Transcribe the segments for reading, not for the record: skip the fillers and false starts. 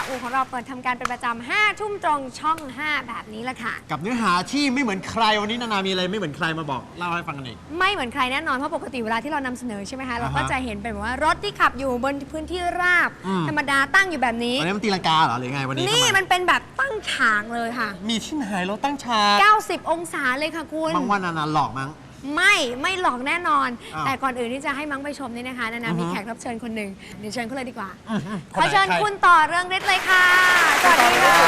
อูของเราเปิดทำการเป็นประจำ5 ทุ่มตรงช่อง 5 แบบนี้แหละค่ะกับเนื้อหาที่ไม่เหมือนใครวันนี้นานามีอะไรไม่เหมือนใครมาบอกเล่าให้ฟังกันอีกไม่เหมือนใครแน่นอนเพราะปกติเวลาที่เรานำเสนอใช่ไหมคะเราก็จะเห็นเป็นแบบว่ารถที่ขับอยู่บนพื้นที่ราบธรรมดาตั้งอยู่แบบนี้วันนี้มันตีลังกาเหรอหรือไงวันนี้นี่มันเป็นแบบตั้งฉากเลยค่ะมีที่ไหนรถตั้งฉาก 90 องศาเลยค่ะคุณบางวันนานาหลอกมั้งไม่หลอกแน่นอนแต่ก่อนอื่นที่จะให้มั้งไปชมนี่นะคะนานามีแขกรับเชิญคนหนึ่งเดี๋ยวเชิญเขาเลยดีกว่าขอเชิญคุณต่อเรื่องฤทธิ์เลยค่ะสวัสดีค่ะ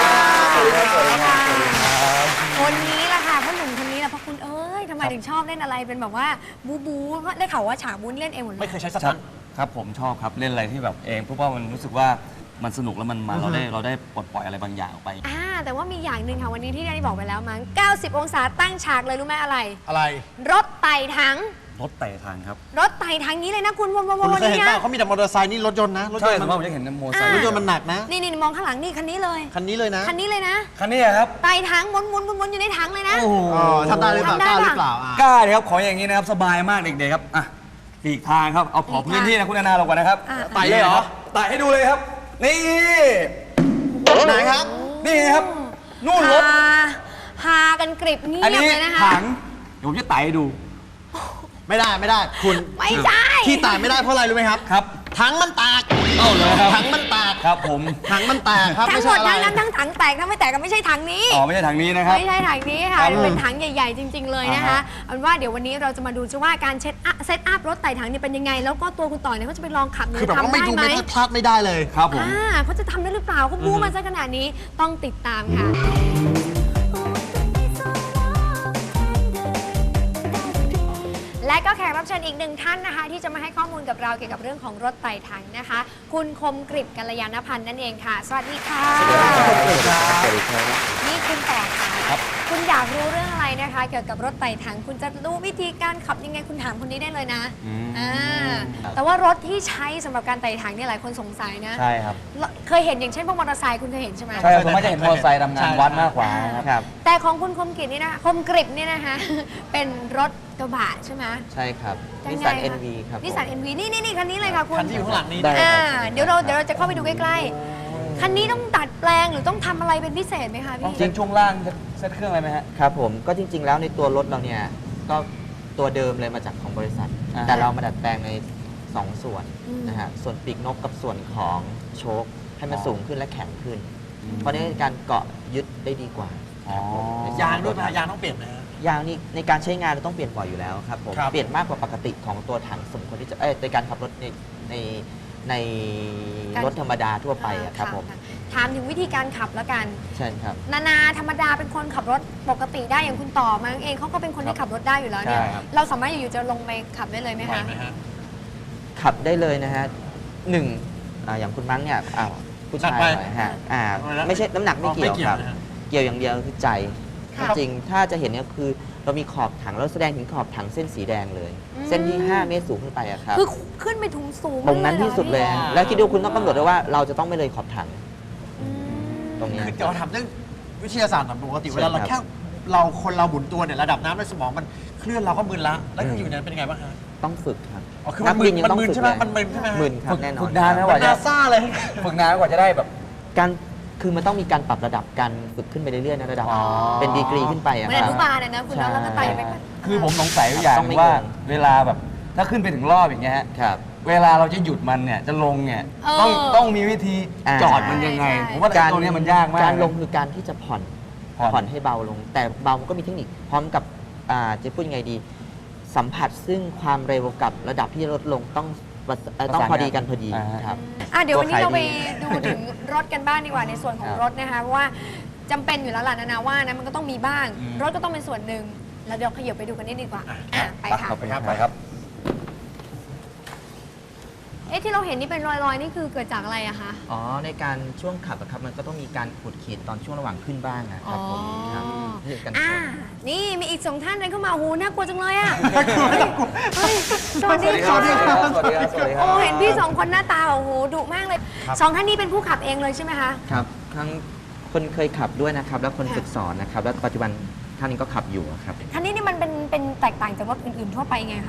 คนนี้แหละค่ะพ่อหนุ่มคนนี้แหละเพราะคุณทำไมถึงชอบเล่นอะไรเป็นแบบว่าบูเพราะได้ข่าวว่าฉากบูนี่เล่นเองหมดเลยไม่เคยใช้สตันครับผมชอบครับเล่นอะไรที่แบบเองเพราะว่ามันรู้สึกว่ามันสนุกแล้วมันเราได้ปลดปล่อยอะไรบางอย่างออกไปแต่ว่ามีอย่างหนึ่งค่ะวันนี้ที่ได้บอกไปแล้วมั้ง90 องศาตั้งฉากเลยรู้ไหมอะไรรถไต่ถังรถไต่ทางครับรถไต่ถังนี้เลยนะคุณวนเคยเห็นป่ะเขามีแต่มอเตอร์ไซค์นี่รถยนต์นะใช่ผมจะเห็นมอเตอร์ไซค์รถยนต์มันหนักนะนี่มองข้างหลังนี่คันนี้เลยคันนี้เลยนะคันนี้เลยนะคันนี้ครับไต่ถังวนอยู่ในถังเลยนะทำได้หรือเปล่ากล้าหรือเปล่ากล้าเลยครับขออย่างนี้นะครับสบายมากเด็กๆครับอ่ะอีกทางครับเอาขอพื้นที่นะคุณนานาลงก่อนนะครับไต่เลยเหรอไต่ให้ดูเลยครับนี่ไหนครับนี่ครับนู่นรถหากันกริบเงียบเลยนะคะถังเดี๋ยวผมจะไต่ให้ดูไม่ได้คุณไม่ใช่ที่แตกไม่ได้เพราะอะไรรู้ไหมครับครับถังมันแตกเลยครับถังมันแตกครับผมถังมันแตกครับทั้งหมดทั้งถังแตกทั้งไม่แตกก็ไม่ใช่ถังนี้ไม่ใช่ถังนี้นะครับไม่ใช่ถังนี้ค่ะเป็นถังใหญ่ๆจริงๆเลยนะคะเอาเป็นว่าเดี๋ยววันนี้เราจะมาดูว่าการเซตอัพรถไต่ถังเนี่ยเป็นยังไงแล้วก็ตัวคุณต่อเนี่ยเขาจะไปลองขับเนี่ยทำได้ไหมพลาดไม่ได้เลยครับผมเขาจะทำได้หรือเปล่าเขาบู๊มาซะขนาดนี้ต้องติดตามค่ะและก็แขกรับเชิญอีกหนึ่งท่านนะคะที่จะมาให้ข้อมูลกับเราเกี่ยวกับเรื่องของรถไต่ถังนะคะคุณคมกฤษกัลยาณพันธ์นั่นเองค่ะสวัสดีค่ะสวัสดีครับนี่คุณต่อค่ะคุณอยากรู้เรื่องอะไรนะคะเกี่ยวกับรถไต่ถังคุณจะรู้วิธีการขับยังไงคุณถามคนนี้ได้เลยนะแต่ว่ารถที่ใช้สำหรับการไต่ถังเนี่ยหลายคนสงสัยนะใช่ครับเคยเห็นอย่างเช่นพวกมอเตอร์ไซค์คุณเคยเห็นใช่ไหมใช่ผมไม่ได้เห็นมอเตอร์ไซค์ทำงานวัดมากกว่าครับแต่ของคุณคมกฤษนี่นะคมกฤษนี่นะคะเป็นรถกระบะใช่ไหมใช่ครับนิสสัน NV ครับนิสสัน NV นี่คันนี้เลยค่ะคุณคันที่อยู่ข้างหลังนี้เดี๋ยวเราจะเข้าไปดูใกล้ๆคันนี้ต้องตัดแปลงหรือต้องทำอะไรเป็นพิเศษไหมคะพี่จริงช่วงล่างเซ็ตเครื่องอะไรไหมฮะครับผมก็จริงๆแล้วในตัวรถเราเนี่ยก็ตัวเดิมเลยมาจากของบริษัทแต่เรามาดัดแปลงใน2 ส่วนนะฮะส่วนปีกนกกับส่วนของโชคให้มันสูงขึ้นและแข็งขึ้นเพราะในการเกาะยึดได้ดีกว่ายางด้วยยางต้องเปลี่ยนนะยางนี่ในการใช้งานเราต้องเปลี่ยนบ่อยอยู่แล้วครับผมเปลี่ยนมากกว่าปกติของตัวถังสมควรที่จะในการขับรถในรถธรรมดาทั่วไปครับผมถามถึงวิธีการขับแล้วกันใช่ครับนาธรรมดาเป็นคนขับรถปกติได้อย่างคุณต่อมาเองเขาก็เป็นคนที่ขับรถได้อยู่แล้วเนี่ยเราสามารถอยู่ๆจะลงไปขับได้เลยไหมคะขับได้เลยนะฮะอย่างคุณมั้งเนี่ยผู้ชายหน่อยฮะไม่ใช่น้ำหนักไม่เกี่ยวครับเกี่ยวอย่างเดียวคือใจจริงถ้าจะเห็นเนี่ยคือเรามีขอบถังแล้วแสดงถึงขอบถังเส้นสีแดงเลยเส้นที่5 เมตรสูงขึ้นไปครับคือขึ้นไปถึงสูงตรงนั้นที่สุดเลยแล้วคิดดูคุณต้องกำหนดด้วยว่าเราจะต้องไม่เลยขอบถังตรงนี้คือเราทำเรื่องวิทยาศาสตร์ปกติเวลาเราแค่คนเราหมุนตัวเนี่ยระดับน้ำในสมองมันเคลื่อนเราก็มึนละแล้วอยู่นั้นเป็นยังไงบ้างคะต้องฝึกครับคือมันมึนใช่ไหมมันมึนใช่ไหมมึนครับแน่นอนฝึกนานนะกว่าจะซ่าเลยฝึกนานกว่าจะได้แบบการคือมันต้องมีการปรับระดับการฝึกขึ้นไปเรื่อยๆในระดับเป็นดีกรีขึ้นไปเหมือนอนุบาลนะคุณแล้วก็ไต่ไปคือผมสงสัยอย่างว่าเวลาแบบถ้าขึ้นไปถึงรอบอย่างเงี้ยครับเวลาเราจะหยุดมันเนี่ยจะลงเนี่ยต้องมีวิธีจอดมันยังไงผมว่าตัวนี้มันยากมากการลงคือการที่จะผ่อนให้เบาลงแต่เบามันก็มีเทคนิคพร้อมกับจะพูดยังไงดีสัมผัสซึ่งความเร็วกับระดับที่ลดลงต้องพอดีกันพอดีครับเดี๋ยววันนี้เราไปดูถึงรถกันบ้างดีกว่าในส่วนของรถนะคะเพราะว่าจำเป็นอยู่แล้วล่ะนาว่านะมันก็ต้องมีบ้างรถก็ต้องเป็นส่วนหนึ่งแล้วเดี๋ยวขยับไปดูกันนิดดีกว่าไปค่ะไปครับที่เราเห็นนี่เป็นรอยๆนี่คือเกิดจากอะไรอะคะในการช่วงขับครับมันก็ต้องมีการขูดขีดตอนช่วงระหว่างขึ้นบ้างนะครับผมครับนี่มีอีก2 ท่านเดินเข้ามาหูน่ากลัวจังเลยอะสวัสดีครับโอ้เห็นพี่2 คนหน้าตาโอ้โหดุมากเลย2 ท่านนี้เป็นผู้ขับเองเลยใช่ไหมคะครับทั้งคนเคยขับด้วยนะครับแล้วคนฝึกสอนนะครับแล้วปัจจุบันท่านนี้ก็ขับอยู่ครับท่านนี้นี่มันเป็นแตกต่างจากรถอื่นๆทั่วไปไงคะ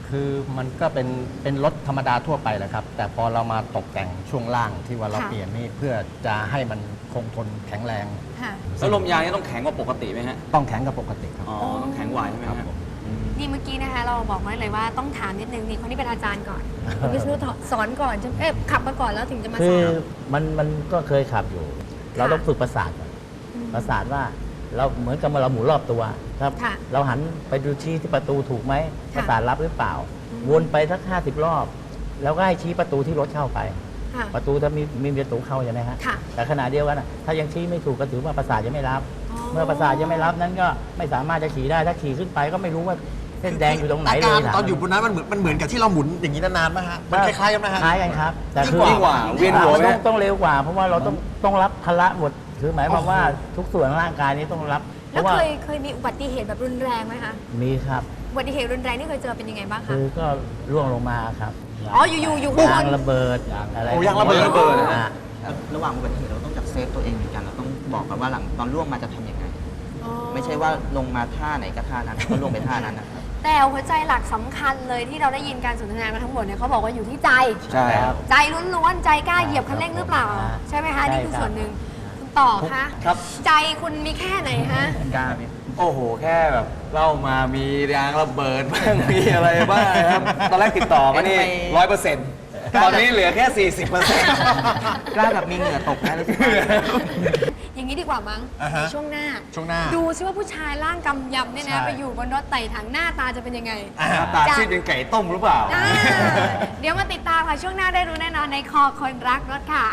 คือมันก็เป็นรถธรรมดาทั่วไปแหละครับ แต่พอเรามาตกแต่งช่วงล่างที่ว่าเราค่ะเปลี่ยนนี่เพื่อจะให้มันคงทนแข็งแรงค่ะแล้วลมยางนี่ต้องแข็งกว่าปกติไหมฮะต้องแข็งกับปกติครับอ๋อ ต้องแข็งกว่าใช่ไหมครับฮะผมนี่เมื่อกี้นะคะเราบอกไว้เลยว่าต้องถามนิดนึงนี่คนที่เป็นอาจารย์ก่อนคุณวิษณุสอนก่อนใช่ไหมขับมาก่อนแล้วถึงจะมาคืสออนมันก็เคยขับอยู่ เราต้องฝึกประสาทก่อนประสาทว่าเราเหมือนกับเราหมุนรอบตัวครับค่ะเราหันไปดูชี้ที่ประตูถูกไหมค่ะประสาทรับหรือเปล่า วนไปสัก50 รอบ แล้วก็ให้ชี้ประตูที่รถเข้าไปค่ะประตูถ้ามีประตูเข้าใช่ไหมฮะค่ะแต่ขณะเดียวกันน่ะถ้ายังชี้ไม่ถูกก็ถือว่าประสาทยังไม่รับอ๋อเมื่อประสาทยังไม่รับนั้นก็ไม่สามารถจะขี่ได้ถ้าขี่ขึ้นไปก็ไม่รู้ว่าเส้นแดงอยู่ตรงไหนอาเลการยถามตอนอยู่บนนั้นมันเหมือนกับที่เราหมุนอย่างนี้นานๆไหมฮะมันคล้ายๆกันไหมฮะคล้ายกันครับ แต่ยิ่งกว่าเวียนหัวไหมต้องเร็วกว่า เพราะว่าเราต้องรับภาระหมดคือหมายความว่าทุกส่วนของร่างกายนี้ต้องรับ เพแล้วราะว่าเคยมีอุบัติเหตุแบบรุนแรงไหมคะมีครับอุบัติเหตุรุนแรงที่เคยเจอเป็นยังไงบ้างคะคือก็ร่วงลงมาครับอ๋ออยู่ข้างบยางนระเบิดอะไรโอ้ยางระเบิดอ่าระหว่างอุบัติเหตุเราต้องจัดเซฟตัวเองเหมือนกันเราต้องบอกกันว่าหลังตอนล่วงมาจะทำยังไงอ๋อไม่ใช่ว่าลงมาท่าไหนก็ท่านั้นก็ลงไปท่านั้นนะครับแต่หัวใจหลักสำคัญเลยที่เราได้ยินการสนทนามาทั้งหมดเนี่ยเขาบอกว่าอยู่ที่ใจใช่ครับใจล้วนๆใจกล้าเหยียบคันเร่งหรือเปล่า ใช่ไหมคะนี่คือส่วนหนึ่งคุณต่อคะครับ ใจคุณมีแค่ไหนฮะกล้าไหมโอ้โห แค่แบบเล่ามามียางระเบิดบ้าง มีอะไรบ้างนะครับ ตอนแรกติดต่อมานี่ 100%ตอนนี้เหลือแค่ 40% กล้าแบบมีเหงื่อตกนะรู้สึกว่าอย่างนี้ดีกว่ามั้งอ่าฮะช่วงหน้าช่วงหน้าดูซิว่าผู้ชายร่างกำยำเนี่ยนะใช่ไปอยู่บนรถไต่ถังหน้าตาจะเป็นยังไงตาซีดเป็นไก่ต้มหรือเปล่าอ่าเดี๋ยวมาติดตามค่ะ ช่วงหน้าได้รู้แน่นอนในคอคนรักรถค่ะ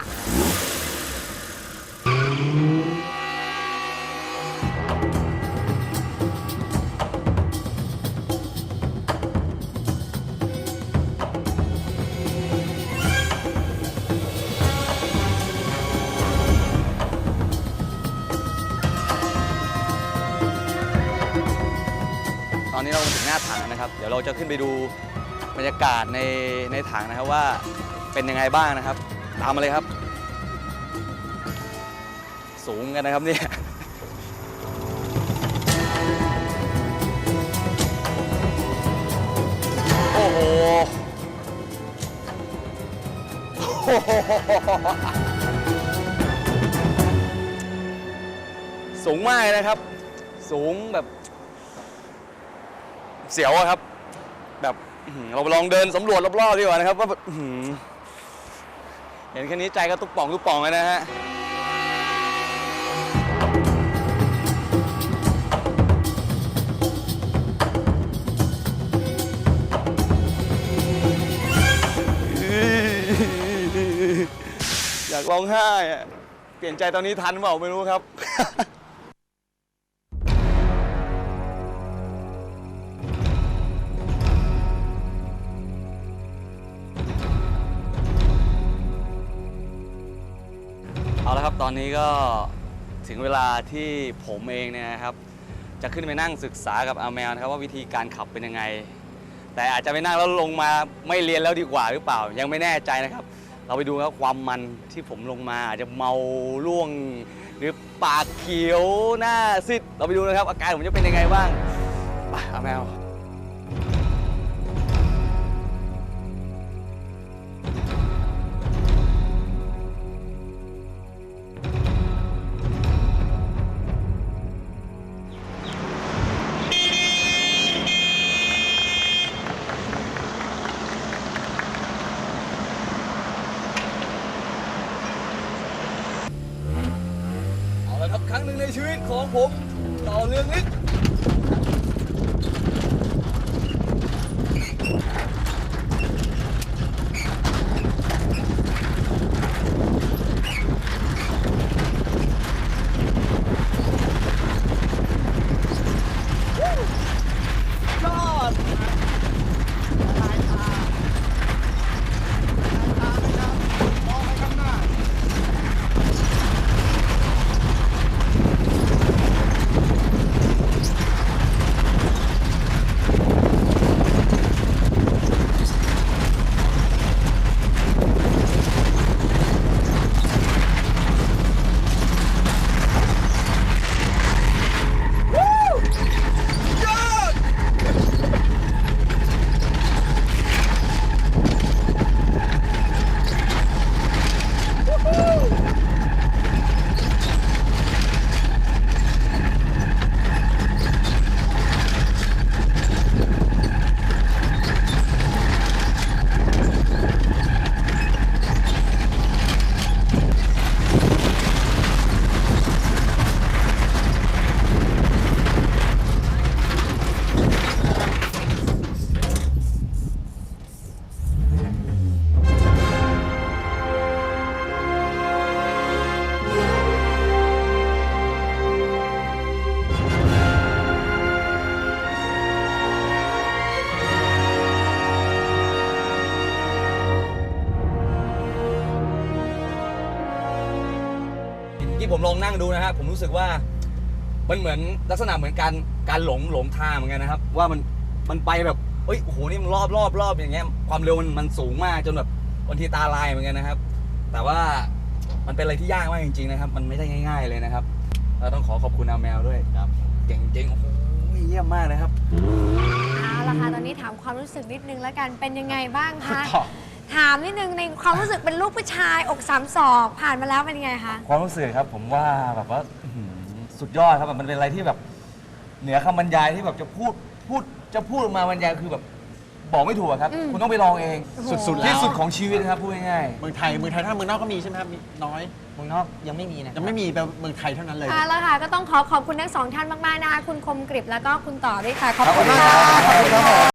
ตอนนี้เรามาถึงหน้าถังนะครับ เดี๋ยวเราจะขึ้นไปดูบรรยากาศในถังนะครับว่าเป็นยังไงบ้างนะครับ ตามมาเลยครับ สูงกันนะครับเนี่ยโอ้โห สูงมากนะครับ สูงแบบ เสียวอะครับ แบบเราไปลองเดินสำรวจรอบๆดีกว่านะครับว่าแบบเห็นแค่นี้ใจก็ตุ๊บป่องตุ๊บป่องเลยนะฮะอยากร้องไห้อะเปลี่ยนใจตอนนี้ทันเปล่าไม่รู้ครับ เอาละครับตอนนี้ก็ถึงเวลาที่ผมเองเนี่ยนะครับจะขึ้นไปนั่งศึกษากับอาแมวนะครับว่าวิธีการขับเป็นยังไง แต่อาจจะไปนั่งแล้วลงมาไม่เรียนแล้วดีกว่าหรือเปล่ายังไม่แน่ใจนะครับ เราไปดูครับความมันที่ผมลงมาอาจจะเมาล่วง หรือปากเขียวหน้าซีดเราไปดูนะครับอาการผมจะเป็นยังไงบ้างไปอาแมว เอาละครับครั้งหนึ่งในชีวิตของผมต่อเรื่องนี้ที่ผมลองนั่งดูนะฮะผมรู้สึกว่ามันเหมือนลักษณะเหมือนการหลงทางเหมือนกันนะครับ ว่ามันไปแบบเอ้ยโอ้โหนี่มันรอบอย่างเงี้ยความเร็วมันสูงมากจนแบบบางทีตาลายเหมือนกันนะครับ แต่ว่ามันเป็นอะไรที่ยากมากจริงๆนะครับ มันไม่ได้ง่าย ๆเลยนะครับเราต้องขอบคุณอาแมวด้วยครับเก่งจริงโอ้โหเยี่ยมมากเลยครับเอาละค่ะตอนนี้ถามความรู้สึกนิดนึงแล้วกันเป็นยังไงบ้างคะต่อถามนิดนึงในความรู้สึกเป็นลูกผู้ชายอก3 ศอกผ่านมาแล้วเป็นยังไงคะความรู้สึกครับผมว่าแบบว่าอื้อหือสุดยอดครับมันเป็นอะไรที่แบบเหนือคำบรรยายที่แบบจะพูดออกมาบรรยายคือแบบบอกไม่ถูกอะครับ คุณต้องไปลองเองสุดๆแล้วที่สุดของชีวิตนะครับพูดง่ายเมืองไทยถ้าเมืองนอกก็มีใช่ไหมครับมีน้อยเมืองนอกยังไม่มีนะคยัรับงไม่มีแบบเมืองไทยเท่านั้นเลยเอาละค่ะก็ต้องขอบคุณทั้งสองท่านมากๆนะคะคุณคมกริบแล้วก็คุณต่อด้วยค่ะ ขอบขอบคุคุณณค่ะครับ